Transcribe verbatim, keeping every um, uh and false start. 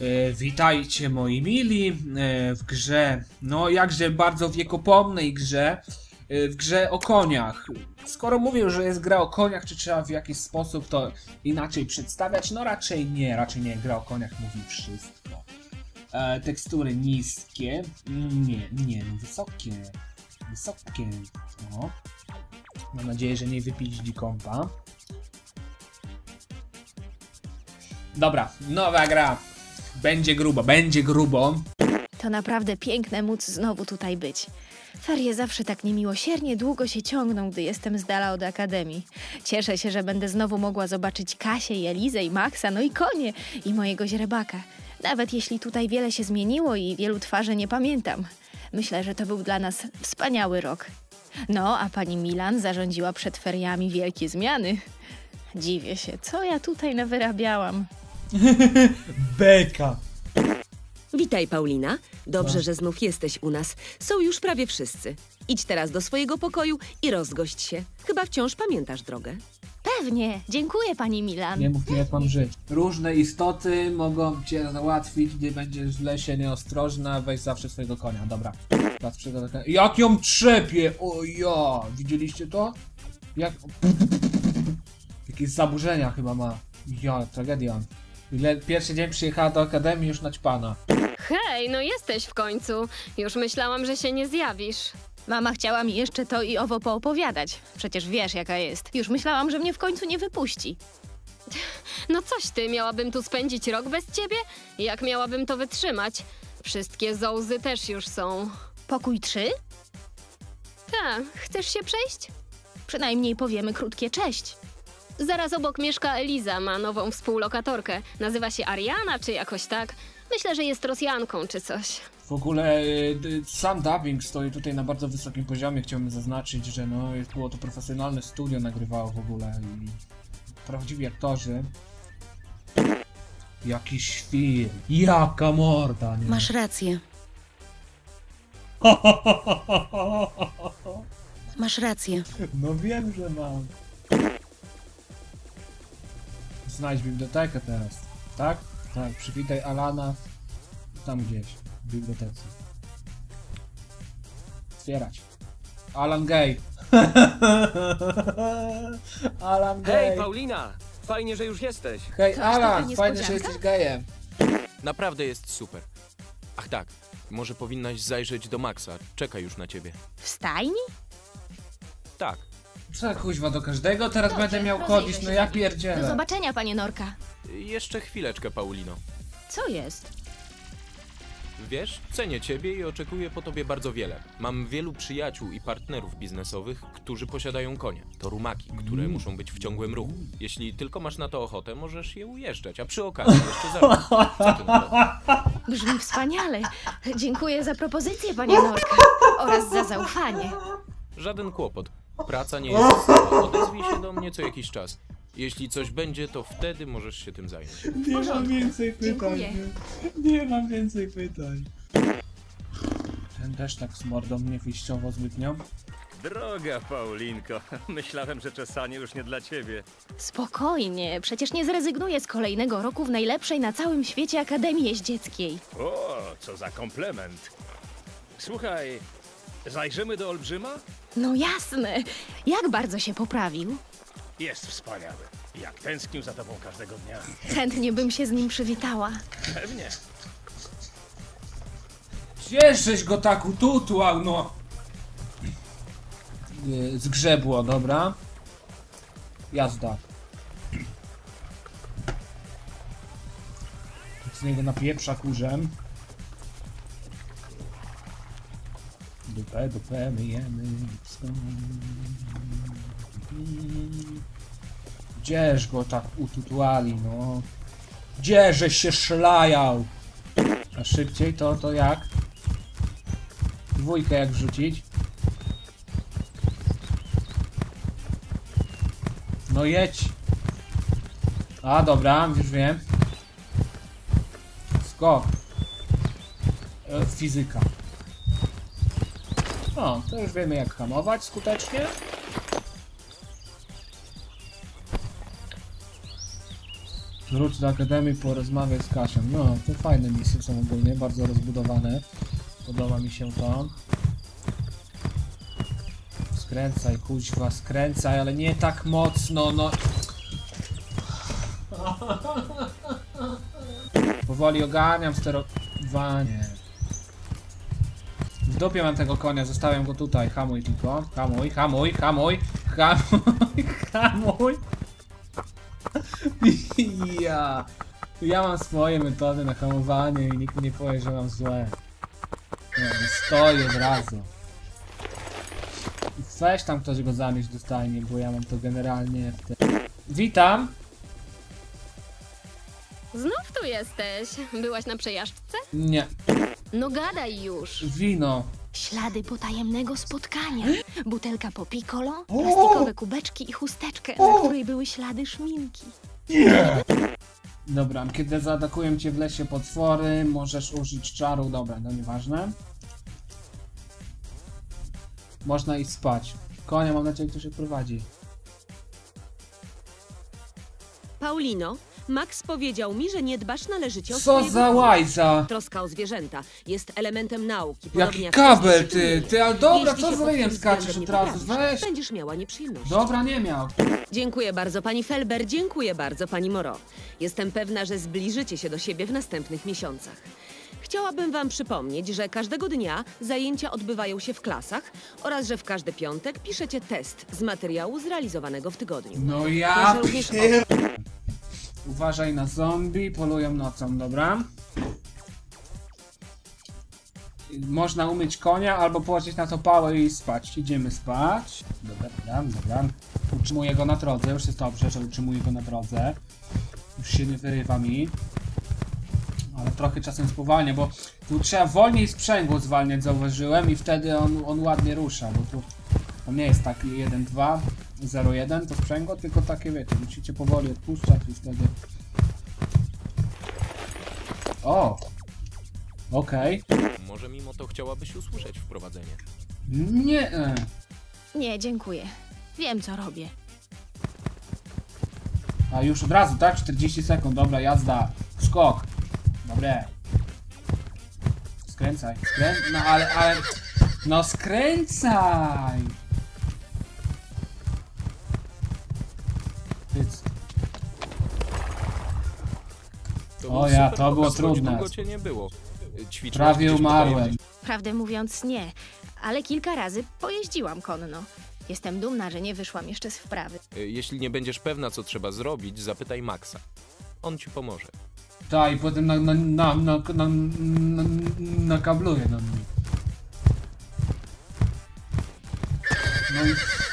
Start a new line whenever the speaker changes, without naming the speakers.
E, witajcie moi mili e, w grze, no jakże bardzo wiekopomnej grze, e, w grze o koniach. Skoro mówię, że jest gra o koniach, czy trzeba w jakiś sposób to inaczej przedstawiać? No raczej nie, raczej nie, gra o koniach mówi wszystko. E, tekstury niskie, nie, nie, no wysokie, wysokie, no. Mam nadzieję, że nie wypilić kompa. Dobra, nowa gra. Będzie grubo, będzie grubo.
To naprawdę piękne móc znowu tutaj być. Ferie zawsze tak niemiłosiernie długo się ciągną, gdy jestem z dala od akademii. Cieszę się, że będę znowu mogła zobaczyć Kasię i Elizę i Maxa, no i konie i mojego źrebaka. Nawet jeśli tutaj wiele się zmieniło i wielu twarzy nie pamiętam. Myślę, że to był dla nas wspaniały rok. No, a pani Milan zarządziła przed feriami wielkie zmiany. Dziwię się, co ja tutaj nawyrabiałam.
Beka.
Witaj, Paulina. Dobrze,
No.
że znów jesteś u nas. Są już prawie wszyscy. Idź teraz do swojego pokoju i rozgość się. Chyba wciąż pamiętasz drogę.
Pewnie, dziękuję pani Milan.
Nie mów mi, jak mam żyć. Różne istoty mogą cię załatwić, gdy będziesz w lesie nieostrożna. Weź zawsze swojego konia, dobra. Teraz przygodę. Jak ją trzepie! O ja! Widzieliście to? Jak... Jakieś zaburzenia chyba ma. Ja, tragedia. Ile pierwszy dzień przyjechała do akademii, już naćpana.
Hej, no jesteś w końcu. Już myślałam, że się nie zjawisz.
Mama chciała mi jeszcze to i owo poopowiadać. Przecież wiesz, jaka jest. Już myślałam, że mnie w końcu nie wypuści.
No coś ty, miałabym tu spędzić rok bez ciebie? Jak miałabym to wytrzymać? Wszystkie zołzy też już są.
Pokój trzy?
Tak, chcesz się przejść?
Przynajmniej powiemy krótkie cześć.
Zaraz obok mieszka Eliza, ma nową współlokatorkę. Nazywa się Ariana, czy jakoś tak. Myślę, że jest Rosjanką, czy coś.
W ogóle y, sam dubbing stoi tutaj na bardzo wysokim poziomie. Chciałbym zaznaczyć, że no, jest, było to profesjonalne studio, nagrywało w ogóle i prawdziwi aktorzy. Jaki świr, jaka morda, nie?
Masz rację. Masz rację.
No wiem, że mam. Znajdź bibliotekę teraz, tak? Tak, przywitaj Alana tam gdzieś, w bibliotece. Otwierać. Alan gay. Alan gay.
Hej, Paulina! Fajnie, że już jesteś.
Hej,
To aż
Alan,
taka
fajnie, że
niespodzianka?
jesteś gejem.
Naprawdę jest super. Ach tak, może powinnaś zajrzeć do Maxa. Czeka już na ciebie.
W stajni?
Tak.
Co kuźwa do każdego? Teraz
Dobrze,
będę miał
rozejrzę
chodzić,
się
no ja
Do
pierdzielę.
zobaczenia, panie Norka.
Jeszcze chwileczkę, Paulino.
Co jest?
Wiesz, cenię ciebie i oczekuję po tobie bardzo wiele. Mam wielu przyjaciół i partnerów biznesowych, którzy posiadają konie. To rumaki, które muszą być w ciągłym ruchu. Jeśli tylko masz na to ochotę, możesz je ujeżdżać, a przy okazji jeszcze zarobić. Co ty na to?
Brzmi wspaniale. Dziękuję za propozycję, panie Norka. Oraz za zaufanie.
Żaden kłopot. Praca nie jest stała. Odezwij się do mnie co jakiś czas. Jeśli coś będzie, to wtedy możesz się tym zająć.
Nie mam więcej pytań.
Dziękuję.
Nie, nie mam więcej pytań. Ten też tak z mordą mnie wyjściowo zbytnio.
Droga Paulinko, myślałem, że czesanie już nie dla ciebie.
Spokojnie, przecież nie zrezygnuję z kolejnego roku w najlepszej na całym świecie Akademii Jeździeckiej.
O, co za komplement. Słuchaj, zajrzymy do Olbrzyma?
No jasne. Jak bardzo się poprawił?
Jest wspaniały. Jak tęsknił za tobą każdego dnia.
Chętnie bym się z nim przywitała.
Pewnie.
Cieszyś go tak ututłał, no. Yy, Zgrzebło, dobra. Jazda. Z niego napieprza kurzem. Dupę, dupę, myjemy. Gdzież go tak ututłali, no. Gdzieżeś się szlajał? A szybciej to, to jak? Dwójkę jak wrzucić? No jedź. A dobra, już wiem. Skok. E, fizyka. O, to już wiemy jak hamować skutecznie. Wróć do Akademii, porozmawiaj z Kasią. No, to fajne misje są ogólnie, bardzo rozbudowane. Podoba mi się to. Skręcaj, kuźwa, skręcaj, ale nie tak mocno, no. Powoli oganiam sterowanie. W dupie mam tego konia, zostawiam go tutaj. Hamuj tylko. Hamuj, hamuj, hamuj, hamuj, hamuj. Ja. Ja mam swoje metody na hamowanie i nikt nie powie, że mam złe. No, stoję od razu. Weź tam ktoś go zamieść do stajni, bo ja mam to generalnie w te... Witam!
Znów tu jesteś. Byłaś na przejażdżce?
Nie.
No gadaj już.
Wino.
Ślady potajemnego spotkania. Butelka po piccolo, plastikowe kubeczki i chusteczkę, na której były ślady szminki.
Dobra, kiedy zaatakują cię w lesie potwory, możesz użyć czaru. Dobra, no nieważne. Można iść spać. Konia, mam nadzieję, kto się prowadzi.
Paulino, Max powiedział mi, że nie dbasz należycie o
Co
swojego
za
konia.
łajza!
Troska o zwierzęta jest elementem nauki. podobnie
Jaki
jak
kabel,
wszystkie
ty!
inne.
Ty, ale dobra,
Jeśli
co
się
z
pod
ryjem
tym
skaczesz
względem
od
nie
razu?
poprawisz,
Weź!
Będziesz miała nieprzyjemności.
Dobra, nie miał.
Dziękuję bardzo pani Felber, dziękuję bardzo pani Moreau. Jestem pewna, że zbliżycie się do siebie w następnych miesiącach. Chciałabym wam przypomnieć, że każdego dnia zajęcia odbywają się w klasach oraz że w każdy piątek piszecie test z materiału zrealizowanego w tygodniu.
No ja
Proszę również o-
pier... Uważaj na zombie, polują nocą, dobra? Można umyć konia albo położyć na to pałę i spać. Idziemy spać. Dobra, dobra, dobra. Utrzymuję go na drodze, już jest dobrze, że utrzymuję go na drodze. Już się nie wyrywa mi. Ale trochę czasem spowalnia, bo tu trzeba wolniej sprzęgło zwalniać, zauważyłem, i wtedy on, on ładnie rusza, bo tu on nie jest taki jeden dwa zero jeden to sprzęgło, tylko takie, wiecie, musicie powoli odpuszczać i wtedy... O! Okej.
Może mimo to chciałabyś usłyszeć wprowadzenie.
Nie. e.
Nie, dziękuję. Wiem, co robię.
A już od razu, tak? czterdzieści sekund, dobra, jazda. Skok. Dobre. Skręcaj, skręc... No ale, ale... No skręcaj! Pyc.
To
O
był
ja,
super
to było
pokaz, choć
trudne.
Długo cię nie było. Ćwiczyłaś
Prawie
gdzieś po
umarłem.
tajemnic-
Prawdę mówiąc, nie. Ale kilka razy pojeździłam konno. Jestem dumna, że nie wyszłam jeszcze z wprawy.
Jeśli nie będziesz pewna, co trzeba zrobić, zapytaj Maxa. On ci pomoże.
Tak, i potem na, na, na, na, na, na, nakabluje na mnie. No i